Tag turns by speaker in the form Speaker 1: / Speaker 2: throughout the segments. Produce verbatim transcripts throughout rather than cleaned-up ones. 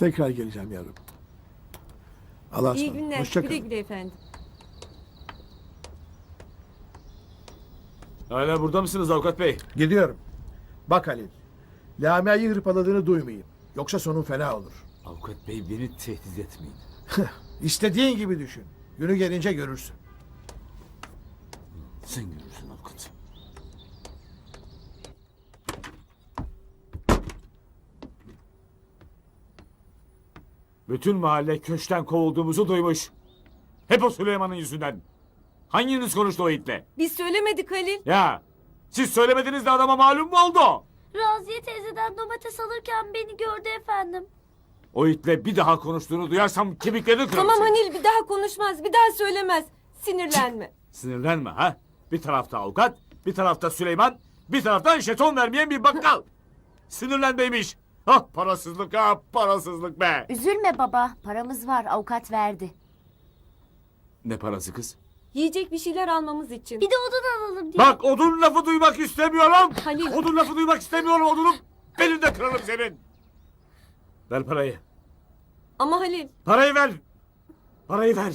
Speaker 1: Tekrar geleceğim yavrum. Allah'a
Speaker 2: İyi
Speaker 1: ısmarladık.
Speaker 2: günler.
Speaker 1: Hoşça
Speaker 2: Güle
Speaker 1: kalın.
Speaker 2: güle efendim.
Speaker 3: Hala burada mısınız avukat bey?
Speaker 1: Gidiyorum. Bak Halil. Lamia'yı hırpaladığını duymayayım. Yoksa sonun fena olur.
Speaker 3: Avukat bey beni tehdit etmeyin.
Speaker 1: İstediğin gibi düşün. Günü gelince görürsün.
Speaker 3: Sen görürsün avukat. Bütün mahalle köşkten kovulduğumuzu duymuş. Hep o Süleyman'ın yüzünden. Hanginiz konuştu o itle?
Speaker 2: Biz söylemedik Halil.
Speaker 3: Ya siz söylemediniz de adama malum mu oldu?
Speaker 4: Raziye teyzeden domates alırken beni gördü efendim.
Speaker 3: O itle bir daha konuştuğunu duyarsam kemiklerini kırarım.
Speaker 2: Tamam
Speaker 3: senin.
Speaker 2: Halil, bir daha konuşmaz. Bir daha söylemez. Sinirlenme.
Speaker 3: Sinirlenme ha. Bir tarafta avukat, bir tarafta Süleyman, bir taraftan jeton vermeyen bir bakkal. Sinirlenmeymiş. Ah parasızlık ha parasızlık be.
Speaker 4: Üzülme baba, paramız var, avukat verdi.
Speaker 3: Ne parası kız?
Speaker 2: Yiyecek bir şeyler almamız için.
Speaker 4: Bir de odun alalım diye.
Speaker 3: Bak odun lafı duymak istemiyorum.
Speaker 2: Halil.
Speaker 3: Odun lafı duymak istemiyorum odunum. Belini de kırarım senin. Ver parayı.
Speaker 2: Ama Halil,
Speaker 3: Parayı ver. Parayı ver.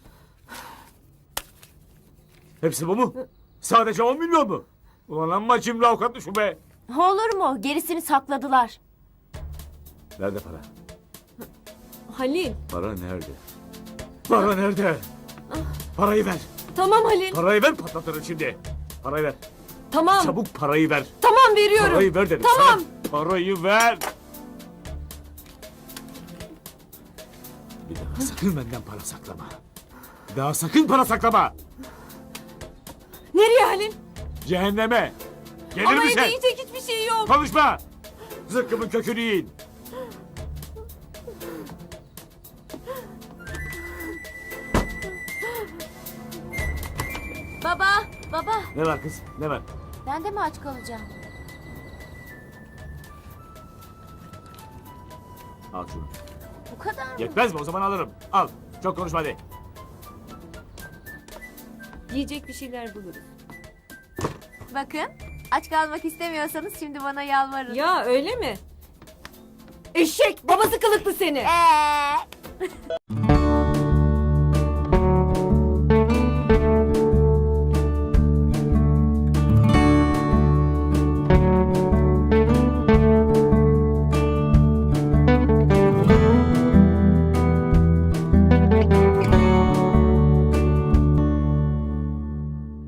Speaker 3: Hepsi bu mu? Sadece on milyon mu? Ulan amma cimri avukatlı şu be.
Speaker 4: Olur mu? Gerisini sakladılar.
Speaker 3: Nerede para?
Speaker 2: Halil.
Speaker 3: Para nerede? Para nerede? Parayı ver.
Speaker 2: Tamam Halil.
Speaker 3: Parayı ver patlatırım şimdi. Parayı ver.
Speaker 2: Tamam.
Speaker 3: Çabuk parayı ver.
Speaker 2: Tamam veriyorum.
Speaker 3: Parayı ver dedim
Speaker 2: Tamam.
Speaker 3: sana. Parayı ver. Bir daha sakın benden para saklama. Bir daha sakın para saklama.
Speaker 2: Nereye Halil?
Speaker 3: Cehenneme. Gelir
Speaker 2: Ama
Speaker 3: misin?
Speaker 2: evde yiyecek hiçbir şey yok.
Speaker 3: Konuşma. Zıkkımın kökünü yiyin.
Speaker 4: Baba, baba.
Speaker 3: Ne var kız? Ne var?
Speaker 4: Ben de mi aç kalacağım?
Speaker 3: Al şunu.
Speaker 4: Bu kadar mı?
Speaker 3: Yetmez mi? O zaman alırım. Al. Çok konuşma hadi.
Speaker 2: Yiyecek bir şeyler buluruz.
Speaker 4: Bakın, aç kalmak istemiyorsanız şimdi bana yalvarın.
Speaker 2: Ya öyle mi? Eşek babası kılıklı seni.
Speaker 4: Eee?